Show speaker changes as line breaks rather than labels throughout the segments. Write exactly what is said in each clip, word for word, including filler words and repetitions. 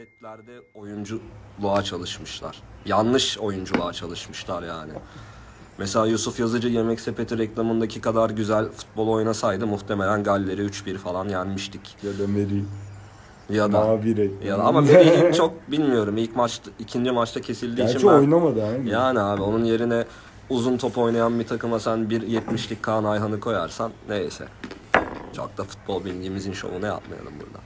Setlerde oyunculuğa çalışmışlar. Yanlış oyunculuğa çalışmışlar yani. Mesela Yusuf Yazıcı Yemek Sepeti reklamındaki kadar güzel futbol oynasaydı muhtemelen Galler'i üç bir falan yenmiştik.
Ya da Meri.
Ya da
Mavi reklam.
ya da ama Meri'yi çok bilmiyorum. İlk maçta, ikinci maçta kesildiği
Gerçi
için ben,
oynamadı abi.
yani abi onun yerine uzun top oynayan bir takıma sen bir yetmişlik Kaan Ayhan'ı koyarsan neyse. Çok da futbol bilgimizin şovunu yapmayalım burada.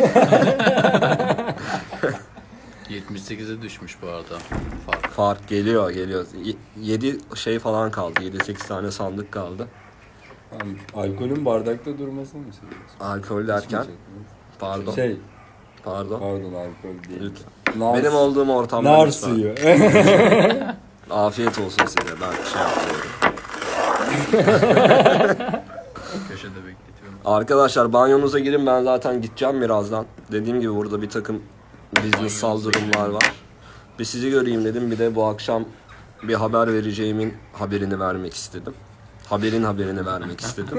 yetmiş sekize düşmüş bu arada fark.
Fark geliyor geliyor. yedi şey falan kaldı. yedi sekiz tane sandık kaldı.
Yani alkolün bardakta durmasını mı seviyorsun?
Alkol derken pardon.
Şey,
Pardon.
pardon alkol değil.
Lütfen.
Nar,
Benim olduğum ortamda
nar
lütfen.
suyu.
Afiyet olsun size. Ben şey yapıyorum.
Köşede bekletiyorum.
Arkadaşlar banyonuza girin, ben zaten gideceğim birazdan. Dediğim gibi burada bir takım business'sal durumlar var. Bir sizi göreyim dedim, bir de bu akşam bir haber vereceğimin haberini vermek istedim. Haberin haberini vermek istedim.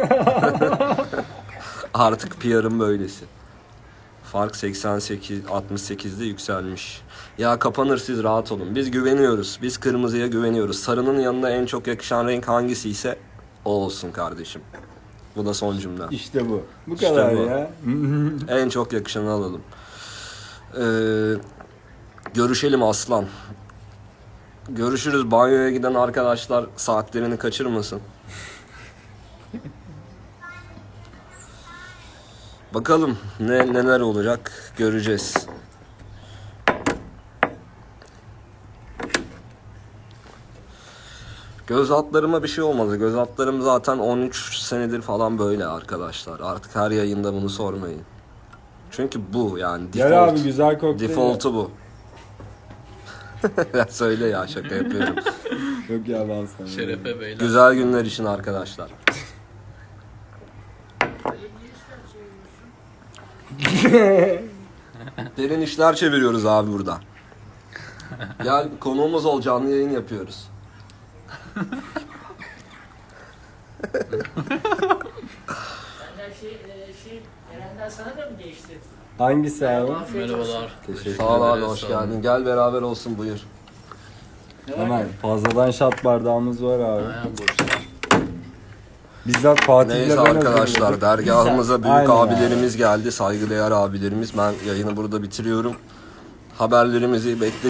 Artık P R'ın böylesi. Fark seksen sekiz altmış sekizde yükselmiş. Ya kapanır, siz rahat olun. Biz güveniyoruz. Biz kırmızıya güveniyoruz. Sarının yanına en çok yakışan renk hangisi ise o olsun kardeşim. Bu da son cümle.
İşte bu. Bu
İşte
kadar
bu.
ya.
En çok yakışanı alalım. Ee, görüşelim aslan. Görüşürüz. Banyoya giden arkadaşlar saatlerini kaçırmasın. Bakalım ne neler olacak göreceğiz. Göz altlarıma bir şey olmadı. Göz altlarım zaten on üç senedir falan böyle arkadaşlar. Artık her yayında bunu sormayın. Çünkü bu yani default.
Gel abi güzel kokteyl.
Default'u bu. Ya söyle ya, şaka yapıyorum.
Yok ya ben sana.
Şerefe beyler.
Güzel günler için arkadaşlar. Derin işler çeviriyoruz abi burada. Gel konuğumuz ol, canlı yayın yapıyoruz.
Senden şey, e, şey, Eren'den sana da mı geçti?
Hangisi abi?
Afiyet olsun.
Merhabalar.
Teşekkür
Sağ ol abi,
ederiz,
hoş
sağ
geldin.
olun.
Gel beraber olsun, buyur.
Ne var
Hemen
ne?
fazladan şat bardağımız var abi.
Aynen boş.
Bizzat Fatih'le
Neyse
ben
arkadaşlar,
hazırladık.
dergahımıza büyük
Aynen
abilerimiz geldi. Saygıdeğer abilerimiz. Ben yayını burada bitiriyorum. Haberlerimizi bekle.